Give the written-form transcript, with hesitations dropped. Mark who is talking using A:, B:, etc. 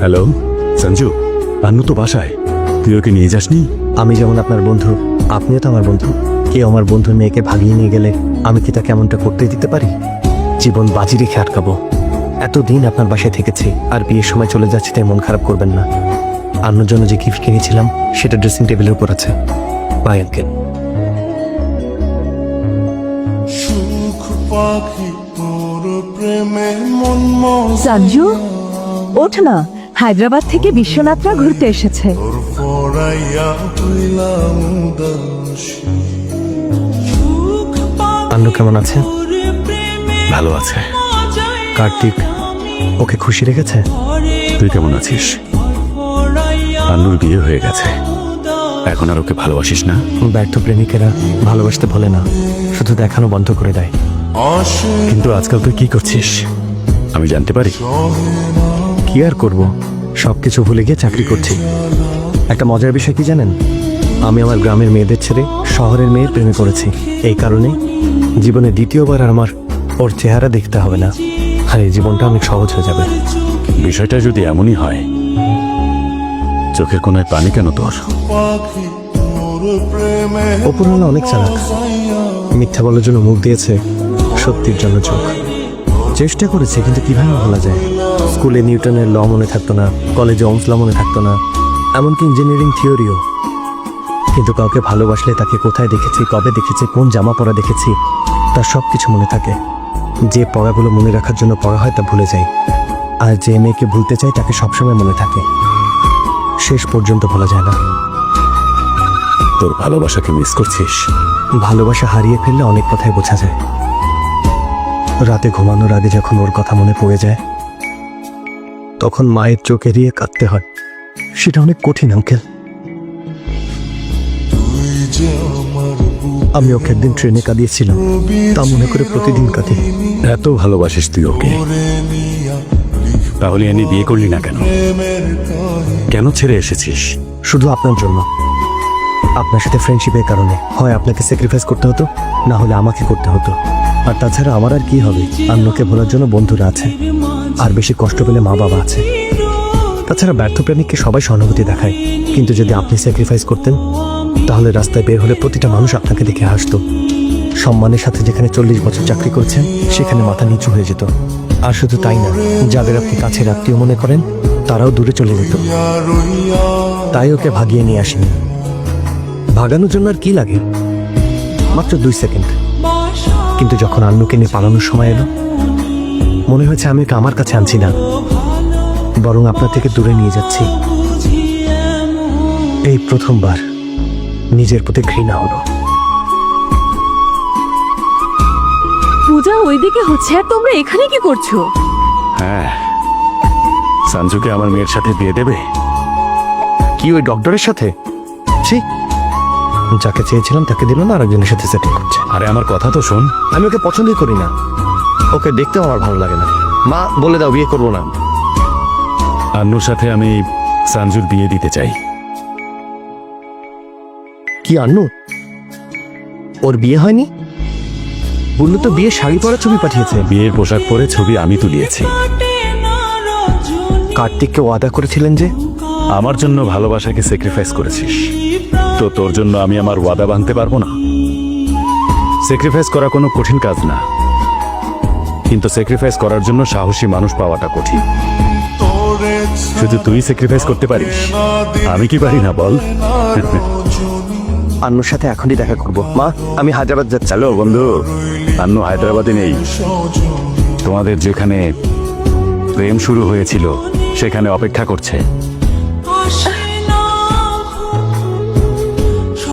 A: Hello Sanju, আন্নু তো বাসায়, তুই ওকে নিয়ে যাসনি?
B: আমি যেমন আপনার বন্ধু, আপনিও তো আমার বন্ধু। কেউ আমার বন্ধুর মেয়েকে ভাগিয়ে নিয়ে গেলে আমি কি তাকে এমনটা করতে দিতে পারি? জীবন বাজি রেখে আটকাবো? এতদিন আপনার বাসায় থেকেছি, আর বিয়ের সময় চলে যাচ্ছি তাই মন খারাপ করবেন না। আন্নুর জন্য যে গিফট কিনেছিলাম সেটা ড্রেসিং টেবিলের উপর আছে। Bye uncle.
C: সঞ্জু, ওঠ না, হায়দ্রাবাদ থেকে বিশ্বনাথরা ঘুরতে এসেছে।
B: আন্নু কেমন আছে?
A: ভালো আছে।
B: কার্তিক ওকে খুশি রেখেছে?
A: তুই কেমন আছিস? আন্নুর বিয়ে হয়ে গেছে, এখন আর ওকে ভালোবাসিস না?
B: ব্যর্থ প্রেমিকেরা ভালোবাসতে ভোলে না, শুধু দেখানো বন্ধ করে দেয়।
A: কিন্তু আজকাল তুই কি করছিস আমি জানতে পারি?
B: কি আর করব, সবকিছু ভুলে গিয়ে চাকরি করছি। একটা মজার বিষয় কি জানেন? আমি আমার গ্রামের মেয়েদের ছেড়ে শহরের মেয়ের প্রেমে পড়েছি। এই কারণে জীবনে দ্বিতীয়বার আর আমার ওর চেহারা দেখতে হবে না, আর এই জীবনটা অনেক সহজ হয়ে যাবে।
A: বিষয়টা যদি এমনই হয়, চোখের কোনায় পানি কেন তোর?
B: অপূর্ণা অনেক চালাক, মিথ্যা বলার জন্য মুখ দিয়েছে, সত্যির জন্য চোখ। চেষ্টা করেছে, কিন্তু কিভাবে বলা যায়? স্কুলে নিউটনের ল মনে থাকতো না, কলেজে ওমস ল মনে থাকতো না, এমনকি ইঞ্জিনিয়ারিং থিওরিও। কিন্তু কাউকে ভালোবাসলে তাকে কোথায় দেখেছি, কবে দেখেছি, কোন জামা পরা দেখেছি, তার সব কিছু মনে থাকে। যে পড়াগুলো মনে রাখার জন্য পড়া হয় তা ভুলে যায়, আর যে মেয়েকে ভুলতে চাই তাকে সবসময় মনে থাকে, শেষ পর্যন্ত ভোলা যায় না।
A: তোর ভালোবাসাকে মিস করছিস?
B: ভালোবাসা হারিয়ে ফেললে অনেক কথাই বোঝা যায়। রাতে ঘুমানোর আগে যখন ওর কথা মনে পড়ে যায়, তখন মায়ের চোখ এড়িয়ে কাঁদতে হয়। সেটা অনেক কঠিন আঙ্কেল। আমি ওকে একদিন ট্রেনে কাঁদিয়েছিলাম, তা মনে করে প্রতিদিন কাঁদি।
A: এত ভালোবাসিস তুই ওকে, তাহলে এনে বিয়ে করলি না কেন? কেন ছেড়ে এসেছিস?
B: শুধু আপনার জন্য, আপনার সাথে ফ্রেন্ডশিপের কারণে। হয় আপনাকে স্যাক্রিফাইস করতে হতো, না হলে আমাকে করতে হতো। আর তাছাড়া আমার আর কি হবে? আন্নুকে ভোলার জন্য বন্ধুরা আছে, আর বেশি কষ্ট পেলে মা বাবা আছে। তাছাড়া ব্যর্থ প্রেমিককে সবাই সহানুভূতি দেখায়, কিন্তু যদি আপনি স্যাক্রিফাইস করতেন, তাহলে রাস্তায় বের হলে প্রতিটা মানুষ আপনাকে দেখে হাসতো। সম্মানের সাথে যেখানে 40 বছর চাকরি করছেন, সেখানে মাথা নিচু হয়ে যেত। আর শুধু তাই না, যাদের আপনি কাছের আত্মীয় মনে করেন, তারাও দূরে চলে যেত। তাই ওকে ভাগিয়ে নিয়ে আসেনি। ভাগানোর জন্য আর কি লাগে? মাত্র 2 সেকেন্ড। কিন্তু যখন আন্নুকে নিয়ে পালানোর সময় এলো, মনে হয়েছে আমি ওকে আমার কাছে আনছি না, বরং আপনার থেকে দূরে নিয়ে যাচ্ছি। এই প্রথমবার নিজের প্রতি ঘৃণা হলো।
C: পূজা ওইদিকে হচ্ছে, আর তোমরা এখানে কি করছো?
A: হ্যাঁ, সঞ্জুকে আমার মেয়ের সাথে বিয়ে দেবে?
B: কি ওই ডক্টরের সাথে? ছি, যাকে চেয়েছিলাম তাকে দিল না, আরেকজনের সাথে সেটিং করছে।
A: আরে আমার কথা তো শোন।
B: আমি ওকে পছন্দই করি না, ওকে দেখতেও আমার ভালো লাগে না। মা বলে দাও বিয়ে করবো না।
A: আন্নুর সাথে আমি সঞ্জুর বিয়ে দিতে চাই।
B: কি আন্নু? ওর বিয়ে হয়নি? বললো তো বিয়ে শাড়ি পরা ছবি পাঠিয়েছে।
A: বিয়ের পোশাক পরে ছবি আমি তুলিয়েছি।
B: কার্তিককে ওয়াদা করেছিলেন যে
A: আমার জন্য ভালোবাসাকে স্যাক্রিফাইস করেছিস, তো তোর জন্য আমি আমার ওয়াদা ভাঙতে পারবো না? স্যাক্রিফাইস করা কোনো কঠিন কাজ না, কিন্তু স্যাক্রিফাইস করার জন্য সাহসী মানুষ পাওয়াটা কঠিন। শুধু তুই স্যাক্রিফাইস করতে পারিস, আমি কি পারি না বল?
B: আন্নুর সাথে এখনই দেখা করব। মা, আমি হায়দ্রাবাদ যাচ্ছি।
A: হ্যালো বন্ধু, আন্নু হায়দ্রাবাদে নেই, তোমাদের যেখানে প্রেম শুরু হয়েছিল সেখানে অপেক্ষা করছে।